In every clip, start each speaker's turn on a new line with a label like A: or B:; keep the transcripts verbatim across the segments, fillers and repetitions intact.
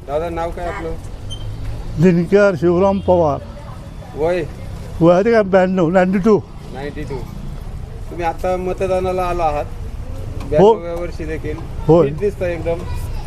A: दादा नाव काय आपलं?
B: दिनकर शिवराम पवार.
A: वय
B: वय काय ब्याण्णव नाईन्टी टू.
A: Ninety two. तुम्ही आता मतदानाला आला आहात.
B: हो.
A: ब्याण्णव्या वर्षी देखील
B: होय.
A: फिट दिसता एकदम.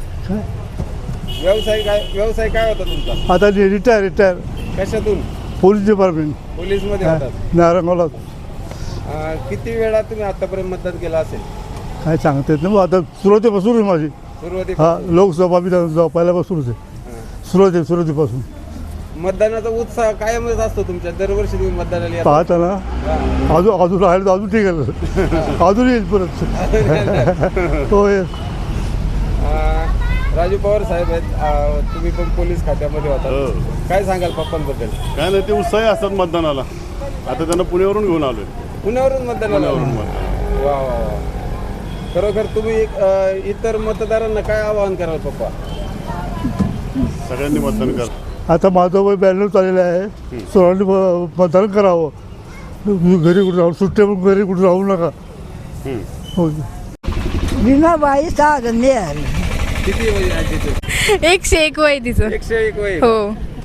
A: व्यवसाय काय व्यवसाय काय होता तुमचा?
B: आता रिटायर रिटायर
A: कशातून?
B: पोलीस डिपार्टमेंट
A: पोलीस मध्ये होतात.
B: नारंगावला.
A: अं, किती वेळा तुम्ही आतापर्यंत मतदान केलं असेल?
B: काय सांगता येत नाही मग आता सुरुवातीपासून आहे माझी.
A: सुरुवाती
B: हा लोकसभा विधानसभा पहिल्यापासूनच आहे. सुरुवाती सुरुवातीपासून
A: मतदानाचा उत्साह कायमच असतो तुमच्या. दरवर्षी तुम्ही मतदानाला येता.
B: पाहता ना अजून अजून राहिलं तर अजून ठीक आहे. अजून येईल परत. होय.
A: अं, राजू पवार साहेब आहेत. अं, तुम्ही पण पोलीस खात्यामध्ये होता. काय सांगाल पप्पांबद्दल?
C: काय नाही, ते उत्साही असतात मतदानाला. आता त्यांना पुण्यावरून घेऊन आलोय.
A: पुण्यावरून मतदानाला आले? वा वा वा. खरोखर तुम्ही एक, अं, इतर मतदारांना काय आवाहन कराल पप्पा?
C: सगळ्यांनी मतदान कर.
B: आता माझं वय ब्याण्णव चाललेलं आहे. सर्वांनी म- मतदान करावं. घरी कुठे राहू सुट्टे पण घरी कुठे राहू नका. हो.
D: मीनाबाई साधनेर.
A: किती वय आहे आजीचं?
E: एकशे एक वय तिचं.
A: एकशे एक वय.
E: हो.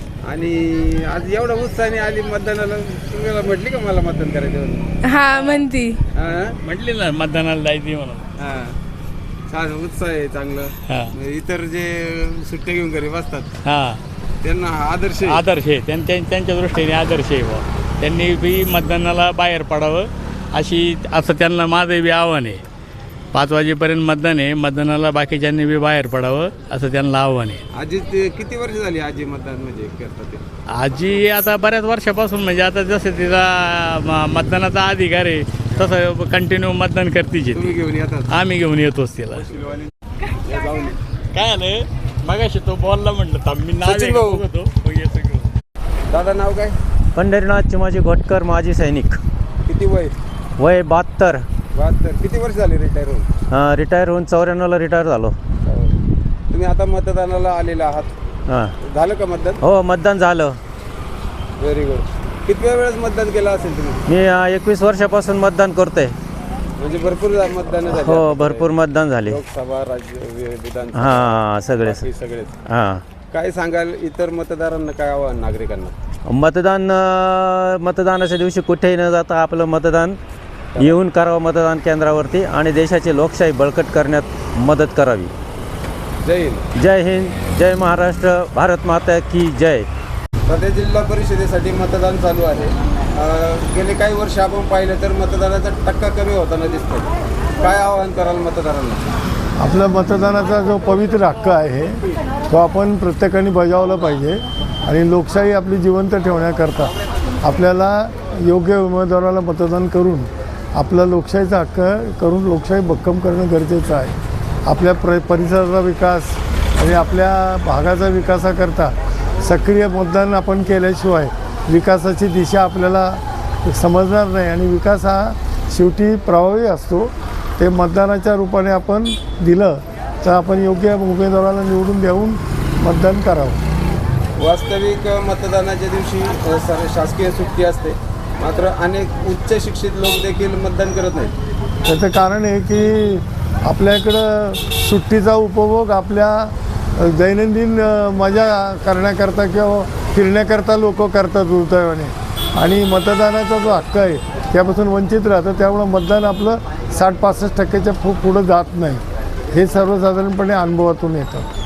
A: आणि आज एवढा उत्साहाने आली मतदानाला. तुम्हाला म्हटली का मला मतदान करायचं म्हणून?
E: हा म्हणती.
A: हा?
F: म्हटली ना मतदानाला जायची म्हणून.
A: हा. छान उत्साह आहे चांगलं.
F: हा.
A: इतर जे सुट्ट्या घेऊन घरी बसतात
F: हा
A: त्यांना आदर्श आहे.
F: आदर्श आहे त्यांच्या त्यांच्या दृष्टीने आदर्श आहे बुवा. त्यांनी बी मतदानाला बाहेर पडावं अशी असं त्यांना माझं बी आव्हान आहे. पाच वाजेपर्यंत मतदान आहे. मतदानाला बाकीच्यांनी बी बाहेर पडावं असं त्यांना आव्हान आहे.
A: आजी ते किती वर्ष झाली आजी मतदान म्हणजे करतात ते?
F: आजी आता बऱ्याच वर्षापासून म्हणजे आता जसं तिचा म- मतदानाचा अधिकार आहे तसं कंटिन्यू मतदान करतीच
A: तुम्ही
F: येते.
A: घेऊन येतात?
F: आम्ही घेऊन येतोच तिला.
A: या जाऊन.
F: काय आलं मगाशी तो बॉलला म्हटलं थांब मी नाव
A: सचिन भाऊ.
F: बघतो मग येतो घेऊन.
A: दादा नाव काय?
G: पंढरीनाथ चिमाजी घोटकर माजी सैनिक.
A: किती वय?
G: वय बहात्तर.
A: बहात्तर. किती वर्ष झाली रिटायर होऊन?
G: रिटायर होऊन चौऱ्याण्णवला रिटायर झालो.
A: तुम्ही आता मतदानाला आलेला आहात.
G: हां.
A: झालं का मतदान?
G: हो मतदान झालं.
A: Very good. किती वेळेस मतदान केलं असेल तुम्ही?
G: मी एकवीस वर्षापासून मतदान करतोय.
A: म्हणजे भरपूर मतदान झाले?
G: हो भरपूर मतदान झाले.
A: लोकसभा राज्य वि- विधानसभा
G: हां सगळे
A: बाकी सगळेच.
G: हां.
A: काय सांगाल इतर मतदारांना काय आव्हान नागरिकांना?
G: मतदान अं, मतदानाच्या दिवशी कुठेही न जाता आपलं मतदान येऊन करावं मतदान केंद्रावरती आणि देशाची लोकशाही बळकट करण्यात मदत करावी.
A: जय हिंद.
G: जय हिंद जय महाराष्ट्र भारत माता की जय.
A: सध्या जिल्हा परिषदेसाठी मतदान चालू आहे. अं, गेले काही वर्ष आपण पाहिलं तर मतदानाचा टक्का कमी होताना दिसतोय. काय आवाहन कराल मतदारांना?
B: आपला मतदानाचा जो पवित्र हक्क आहे तो आपण प्रत्येकाने बजावला पाहिजे. आणि लोकशाही आपली जिवंत ठेवण्याकरता आपल्याला योग्य उमेदवाराला मतदान करून आपला लोकशाहीचा हक्क करून लोकशाही भक्कम करणं गरजेचं आहे. आपल्या प्र परिसराचा विकास आणि आपल्या भागाचा विकासाकरता सक्रिय मतदान आपण केल्याशिवाय विकासाची दिशा आपल्याला समजणार नाही. आणि विकास हा शेवटी प्रभावी असतो. ते मतदानाच्या रूपाने आपण दिलं तर आपण योग्य उमेदवाराला निवडून देऊन मतदान करावं.
A: वास्तविक मतदानाच्या दिवशी अ, सर शासकीय सुट्टी असते. मात्र अनेक उच्च शिक्षित लोक देखील मतदान करत नाहीत.
B: त्याचं कारण आहे की आपल्याकडं सुट्टीचा उपभोग आपल्या दैनंदिन अ, मजा करण्याकरता किंवा फिरण्याकरता लोक करतात दुर्दैवाने. आणि मतदानाचा जो हक्क आहे त्यापासून वंचित राहतं. त्यामुळं मतदान आपलं साठ पासष्ट टक्क्याच्या पु पुढं जात नाही. हे सर्वसाधारणपणे अनुभवातून येतं.